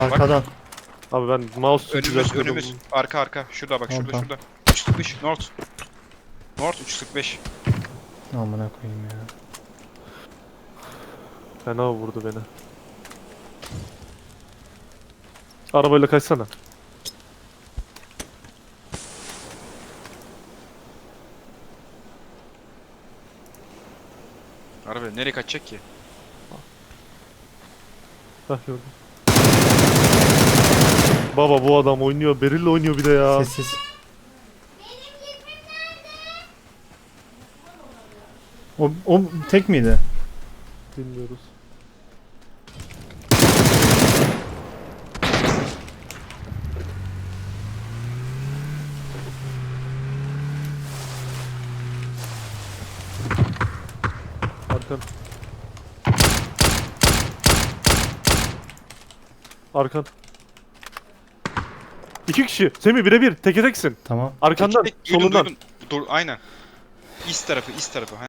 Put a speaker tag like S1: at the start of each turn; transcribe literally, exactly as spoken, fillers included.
S1: Arkadan.
S2: Abi ben mouse
S3: Önümüz
S2: düzeltiyordum.
S3: önümüz. Arka arka. Şurada bak şurada
S1: Tamam,
S3: şurada. üç yüz kırk beş North. North üç yüz kırk beş.
S1: Amına koyayım ya.
S2: Fena vurdu beni. Arabayla kaçsana.
S3: Araba nereye kaçacak ki?
S2: Hah gördüm. Baba bu adam oynuyor. Beril'le oynuyor bir de ya.
S1: Sessiz. O, o tek miydi?
S2: Bilmiyoruz. Arkan. Arkan. İki kişi. Semih birebir. Teke teksin.
S1: Tamam.
S2: Arkandan.
S3: Tek- tek- duydum,
S2: Solundan.
S3: duydum. Dur aynen. İst tarafı, ist tarafı.